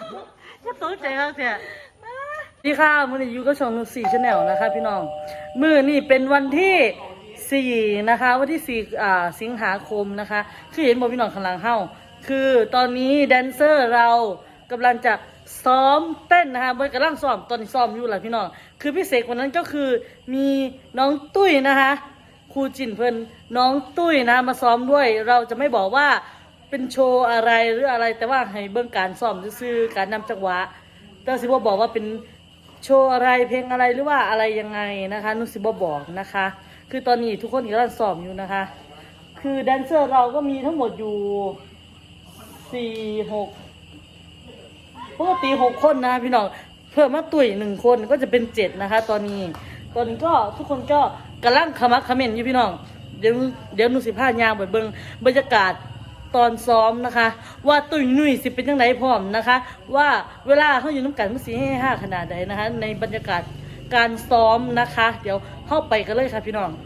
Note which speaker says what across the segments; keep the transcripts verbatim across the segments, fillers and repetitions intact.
Speaker 1: ก็ตกใจครับเถอะนี่ค่ะมือนี้อยู่กับช่องนุชสี่ชาแนลนะคะพี่น้องมือนี่เป็นวันที่สี่นะคะวันที่สี่อ่าสิงหาคมนะคะคือเห็นบอกพี่น้องข้างหลังเฮ้าคือตอนนี้แดนเซอร์เรากำลังจะซ้อมเต้นนะคะเบิร์กำลังซ้อมตอนนี้ซ้อมอยู่แหละพี่น้องคือพิเศษกว่านั้นก็คือมีน้องตุ้ยนะคะครูจินเพิ่นน้องตุ้ยนะมาซ้อมด้วยเราจะไม่บอกว่าเป็นโชว์อะไรหรืออะไรแต่ว่าให้เบื้องการซ้อมซื่อๆการนำจังหวะแต่สิบ่บอกว่าเป็นโชว์อะไรเพลงอะไรหรือว่าอะไรยังไงนะคะนุสิบ่บอกนะคะคือตอนนี้ทุกคนกำลังซ้อมอยู่นะคะคือแดนเซอร์เราก็มีทั้งหมดอยู่สี่หกปกติหกคนนะพี่น้องเพิ่มมาตุ๋ยหนึ่งคนก็จะเป็นเจ็ดนะคะตอนนี้ตอนนี้ก็ทุกคนก็กำลังขมักเขม้นอยู่พี่น้องเดี๋ยวเดี๋ยวนุสิพายางไปเบิ่งบรรยากาศตอนซ้อมนะคะว่าตุ้ยนุ่ยสิเป็นยังไงพร้อมนะคะว่าเวลาเขาอยู่น้ำกันมันสีให้ห้าขนาดใดนะคะในบรรยากาศการซ้อมนะคะเดี๋ยวเข้าไปกันเลยค่ะพี่น้อง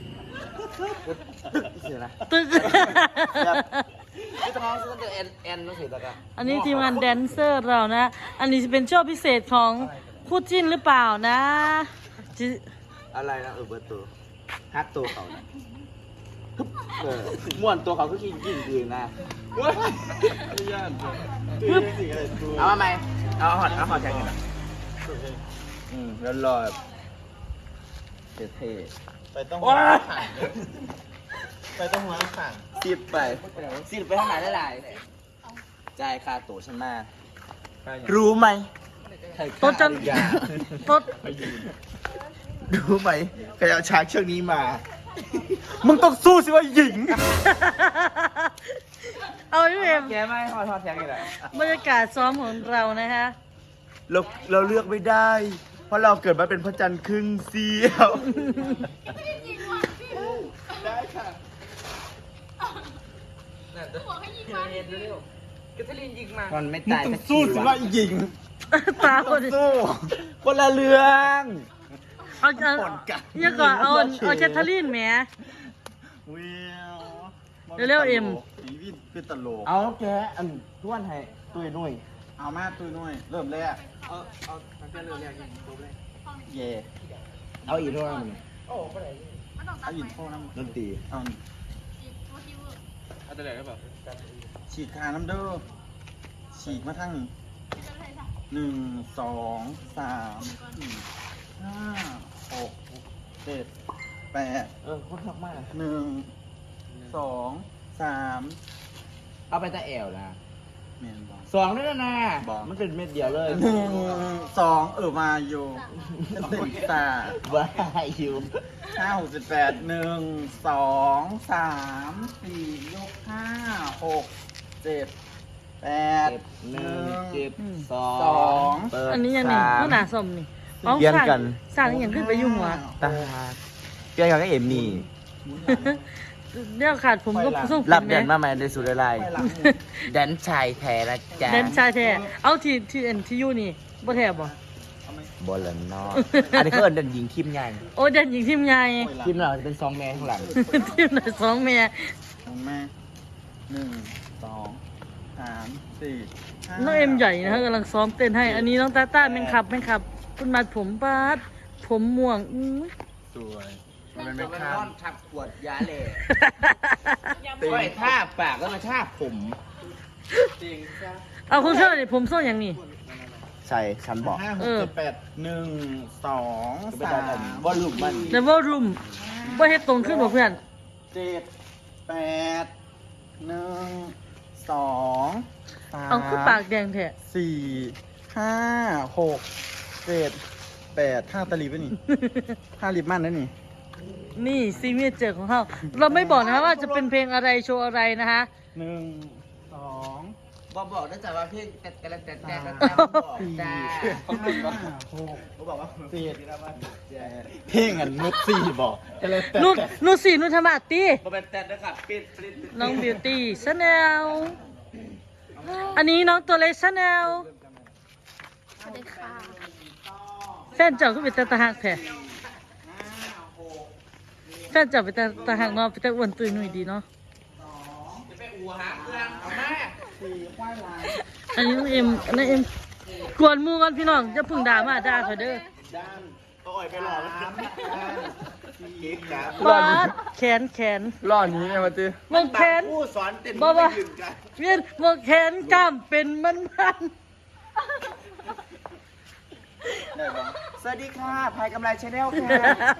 Speaker 1: ตึกอันนี้ทีมงานแดนเซอร์เรานะอันนี้จะเป็นโชว์พิเศษของคู่จิ้นหรือเปล่านะ
Speaker 2: อะไรนะเออเบิร์ตตัวฮักตัวเขาเออม่วนตัวเขาก็กินกินดีนะเอามาไหมเอาหอดเอาหอดแทงกันนะอืมแล้วรอเท่ๆไปต้องหัวไปต้องหัวขังสิบไปสิบไปทางไหนได้หลายจ่ายค่าตั๋วฉันมารู้ไหม
Speaker 1: ต้นจันต้น
Speaker 2: รู้ไหมใครเอาฉากเชือกนี้มามึงต้องสู้สิว่าหญิง
Speaker 1: เอาพี่เอ็ม
Speaker 2: แกไม่ทอดทอดแทงเลย
Speaker 1: บรรยากาศซ้อมของเรานะฮะ
Speaker 2: เราเราเลือกไม่ได้ เพราะเราเกิดมาเป็นพระจันทร์ครึ่งเสี้ยวได้ค่ะมันไม่ตายต้องสู้สิว่าหญิง
Speaker 1: ตาคน
Speaker 2: สู้คนละเรื่อง
Speaker 1: เอาเอาเนี่ยก่อนเอาเอาแคทเธอรีนแหมเร็วๆเอ็ม
Speaker 2: ชีวิตคือตลกเอาแกอันท้วนให้ตุ้ยนุ่ยเอามาตุ้ยนุ่ยเริ่มแรกเอาเอาตั้งแต่เริ่มแรกยังตัวแรกเย่เอาอีกด้วยมั้ยเอาอีกโฟน้ำดนตรีเอาเอาตัวไหนก็แบบฉีกขาน้ำเด้อฉีกมาทั้งหนึ่งสองสามสี่ห้าหกเจ็ดแปดเออคนทักมากหนึ่งสองสามเอาไปตะแอวนะสองนี่นะบอกมันเป็นเม็ดเดียวเลยหนึ่งสองเออมาอยู่ติดตาว้าอยู่ห้าหกสิบแปดหนึ่งสองสามสี่ยกห้าหกเจ็ดแปดหนึ่งเจ็ดสอง
Speaker 1: อันนี้ยังไงก็หนาสมนี่
Speaker 2: เปลี่ยนกัน
Speaker 1: สร้างอย่างขึ้นไปยุ่งวะ
Speaker 2: ตาเปลี่ยนกันก็เอ็มนี่
Speaker 1: เดี๋ยวขาดผมก็สู้
Speaker 2: รับแดนมาใหม่ในสุดอะไรแดนชายแท้นะจ๊ะ
Speaker 1: แดนชายแท้เอาที่ที่เอ็นที่ยูนี่บ่แท้บ่
Speaker 2: บอลเลยเนาะอันนี้ก็เอิ้นแดนหญิงคิมใหญ่
Speaker 1: โอ้แดนหญิงทีมใหญ่
Speaker 2: ทีมเราจะเป็นสองแม่ข้างหลัง
Speaker 1: ทีมไหนสองแม่
Speaker 2: สองแม่หนึ่งสองสามสี่
Speaker 1: น้องเอ็มใหญ่นะกำลังซ้อมเต้นให้อันนี้น้องตาต้าแม่งขับแม่งขับคุณมัดผมปาดผมม่วงอื้อ
Speaker 2: สวยมันเป็นข้ามทับขวดยาเล่
Speaker 1: ตี
Speaker 2: ท่าปากก็มาท่าผม
Speaker 1: เอาคุณเชื่อดิผมส้นอย่างนี้
Speaker 2: ใช่ฉันบอกห้าหกเจ็ดแปดหนึ่งสองสามวอลลุ่มมัน
Speaker 1: ในวอลลุ่มว่าเฮ็ดตรงขึ้นบ่เพื่อน
Speaker 2: เจ็ดแปดหนึ่งสองสาม
Speaker 1: เอาคือปากแดงแท้
Speaker 2: สี่ห้าหกเจ็ดแปดห้าตะลีบนี่ห้าลิบมันนั่นนี่
Speaker 1: นี่ซีเมียเจอของเขาเราไม่บอกนะคะว่าจะเป็นเพลงอะไรโชว์อะไรนะคะ
Speaker 2: หนึ่งสอง
Speaker 3: บอกบอกได้จากว่าเพลงแต่แต่แต่แต่แต่
Speaker 2: บอกจ้าเขาบอกว่าหกเขาบอกว่าสี่เพลงอันนุชสี่บอก
Speaker 1: นุชนุชสี่นุชธรรมะตี
Speaker 3: บอกเป็นแต่นะครับปิดปิด
Speaker 1: น้องบิวตี้ชาแนลอันนี้น้องตัวเล็กชาแนล
Speaker 4: สวัสดีค่ะ
Speaker 1: แฟนเจ้าก็เป็นตาหักแท้แฟนเจ้าเป็นตาหักเนาะเป็นตาอ้วนตุยหนุ่ยดีเนาะ
Speaker 3: จะไปอู่หาเครื่องเอาแม่
Speaker 1: ออันนี้น้องเอ็มอันนี้เอ็มกวนหมูกันพี่น้องจะพึ่งด่ามาด่าเขาเด้อ
Speaker 3: ด้านก็อ่อยไปหล่อแล้วสี่ครับ
Speaker 1: บาดแขนแขน
Speaker 2: รอดนี้ไงมาตื้อ
Speaker 1: มองแขน
Speaker 3: ผู้สอนเต้น
Speaker 1: บ่บ่
Speaker 3: ไม่ยืนกัน
Speaker 1: เวียนมองแขนกล้ามเป็นมันมัน
Speaker 2: ได้ปะ
Speaker 3: สวัสดีค่ะพายกำไรชาแนลค่ะ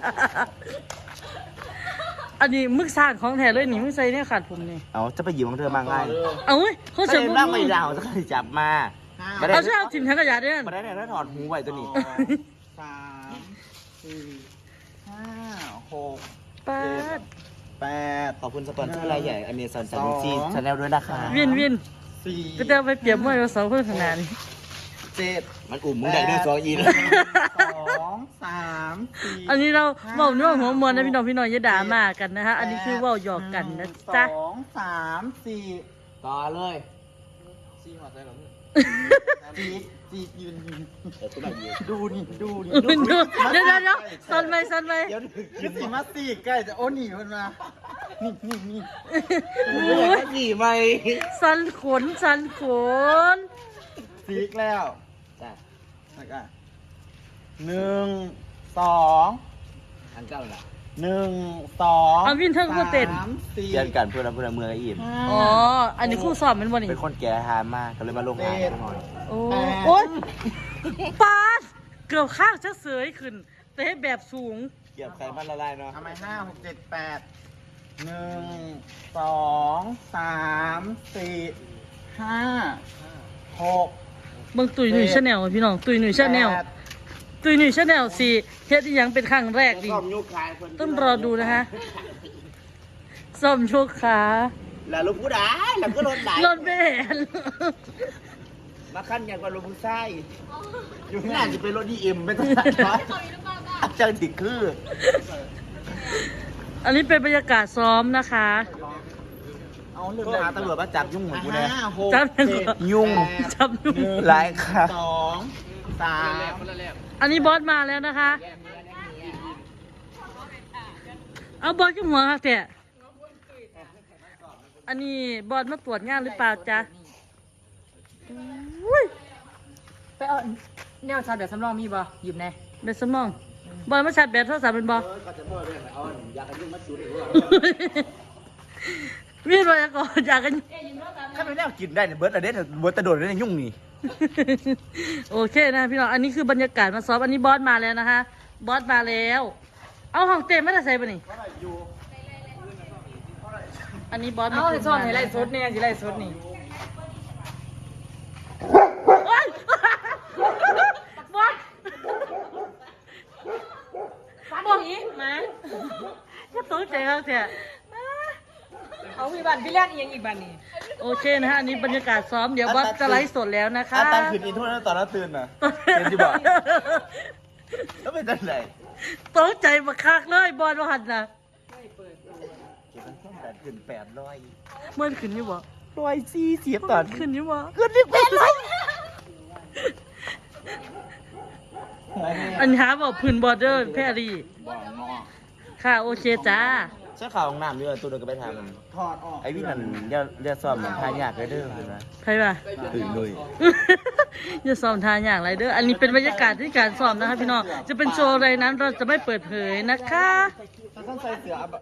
Speaker 1: อันนี้มึกสร้างของแท้เลยนี่มึงใส่เนี่ยขาดผมนี่
Speaker 3: เอาจะไปหยิบของเธอมาง่าย
Speaker 1: เอาเว้ยเขา
Speaker 3: ก็
Speaker 1: จะ
Speaker 3: เลย
Speaker 1: มึ
Speaker 3: นั่งไม่ดาวจะเคยจับมาไม่ได้
Speaker 1: เอาช่วยเอาถิ่นทั้งกระยาด้วย
Speaker 3: ไม่ได้เนี่ยถ้าถอดหูไว้ตัวนี้
Speaker 2: สองสามสี่ห้าหก
Speaker 1: ปาด
Speaker 2: แปด
Speaker 3: ขอบคุณสปอนเซอร์รายใหญ่อเมซอนซานิจีชาแนลด้วยนะคะ
Speaker 1: เวียนเวียน
Speaker 2: สี่
Speaker 1: ก็จะไปเปรียบมวยกับสองคนขนาดนี้
Speaker 2: เจ็ด
Speaker 3: มันอุ่มมึงได้ด้วยซออีน
Speaker 2: สองสามสี่
Speaker 1: อันนี้เราเว้าเนื้อหัวมวลนะพี่น้องพี่น้องอย่าด่ามากันนะฮะอันนี้คือเว้าหยอกกันนะจ๊ะ
Speaker 2: สองสามสี่
Speaker 3: ต่อเลย
Speaker 2: จีจียืนยืน
Speaker 3: เดี๋ยวตัวใหม่ยืน
Speaker 2: ดูนี่ดูนี่
Speaker 1: เดี๋ยวเดี๋ยวเดี๋ยวเดี๋ยวสันไหมสันไหม
Speaker 3: เดี๋ยว
Speaker 2: คือสีมาสีใกล้จะโอ้หนีมันมา นี่นี่นี่
Speaker 3: มึงอยากให้ขี่ไหม
Speaker 1: สันขนสันขน
Speaker 2: สีกแล้ว
Speaker 3: จ้ะ
Speaker 2: แล้วก็หนึ่งสอง
Speaker 3: อันเก้าล่ะ
Speaker 2: หนึ่งสอง
Speaker 1: เอาวินเทิงกูเต้น
Speaker 2: สามสี่
Speaker 3: เรียนกันเพื่อนเพื่อนเมืองไอ้อิ่ม
Speaker 2: ห้า
Speaker 1: อ๋ออันนี้คู่สอบมันวันนี้
Speaker 3: เป็นคนแก่หามากก็เลยมาลงหาหน่อย
Speaker 1: โอ้โอ๊ยปาดเกือบข้างจะเสยขึ้นเตะแบบสูง
Speaker 3: เกี่ยวไขมันละลายเนาะ
Speaker 2: ทำไมห้าหกเจ็ดแปดหนึ่งสองสามสี่ห้าหก
Speaker 1: เบิ่งตุยหนุ่ยชาแนลพี่น้องตุยหนุ่ยชาแนล
Speaker 2: แปด
Speaker 1: ตุยหนุ่ยชาแนลสี่เฮ็ดอีหยังเป็นครั้งแรกดิ
Speaker 3: ซ่อมยุคคายคน
Speaker 1: ต้องรอดูนะคะซ่อมโชคขา
Speaker 3: แล้วลูกผู้ด่าแล้วก็รถไหล
Speaker 1: รถแม่น
Speaker 3: มาขั้นอย่างกว่ารถผู้ชายอยู่น่าจะเป็นรถดีเอ็มไม่ต้องตัดน้อยอาจารย์ติดคือ
Speaker 1: อันนี้เป็นบรรยากาศซ้อมนะคะ
Speaker 2: เอาเรื่อง
Speaker 3: โทรหาตำรวจมาจับยุ่งเหมือนกูเลย
Speaker 2: ห้าหก
Speaker 1: จับยัง
Speaker 2: เจ็ด
Speaker 1: ไง
Speaker 3: ยุ่ง
Speaker 1: จับยุ่ง
Speaker 3: หลายค่ะ
Speaker 2: สองสาม
Speaker 1: อันนี้บอสมาแล้วนะคะ เอาบอสขึ้นหัวค่ะเถอะอันนี้บอสมาตรวจงานหรือเปล่าจ๊ะอุ้ย
Speaker 5: ไปเอาแนวชาร์จแบบสำรองมีบ่หยิบแน่
Speaker 1: เบ็ดสมอง บอสมาชาร์จแบตโทรศัพท์เป็นบอสวิ่งไปก่อนอยากกัน
Speaker 3: ถ้าไม่ได้กินได้เนี่ยเบิร์ดอะเด็ดเบิร์ดตะโดดได้ยุ่งนี่
Speaker 1: โอเคนะพี่น้อง อันนี้คือบรรยากาศมาซ้อม อันนี้บอสมาแล้วนะคะ บอสมาแล้ว เอาห้องเต็มไม่ได้ใส่ปะนี่ อันนี้บอส
Speaker 5: เอา
Speaker 1: มา
Speaker 5: ในช่องให้ไล่สดเนี่ยสิไล่สดนี่
Speaker 1: โอ๊ยบอส
Speaker 5: ฟันหนีมา
Speaker 1: ก็ตกใจเขาเถอะ
Speaker 5: เอาพี่บันพี่เลี้ยงอีกอีกบันนี่
Speaker 1: โอเคนะฮะ อันนี้บรรยากาศซ้อม เดี๋ยวบอสจะไลฟ์สดแล้วนะคะ
Speaker 3: อาตามคืนอินโทรนั้นตอนนั้นตื่นน่ะเป็นที่บอกแล้วเป็นจังไหน
Speaker 1: ตกใจมาคักเลยบอสว่าหันนะ
Speaker 3: เก็บมันแค่แปดขึ้นแปดร้อย
Speaker 1: เมื่อขึ้นอยู่บ่
Speaker 3: ร้อยสี่เสียบตอน
Speaker 1: ขึ้นอยู่บ่
Speaker 3: ขึ้นที่แปดร้อย
Speaker 1: อันนี้หาบอกพื้นบอร์เดอร์แพรรี่
Speaker 2: บอกงอ
Speaker 1: ค่ะโอเคจ้า
Speaker 3: ใช่ข่าวของน้ำด้วยตัวเดินก็ไปทำมัน
Speaker 2: ถอดออก
Speaker 3: ไอ้พี่นั่นเรียกเรียกซ่อมมันทายากเลยเด้อเลยนะ
Speaker 1: ใครป่ะ
Speaker 3: ตื่นเลย
Speaker 1: อย่าซ้อมทานอย่างไรเด้อ อันนี้เป็นบรรยากาศที่การซ้อมนะคะพี่น้อง จะเป็นโชว์อะไรนั้นเราจะไม่เปิดเผยนะคะ
Speaker 2: ถ้าต้องใส่เสือ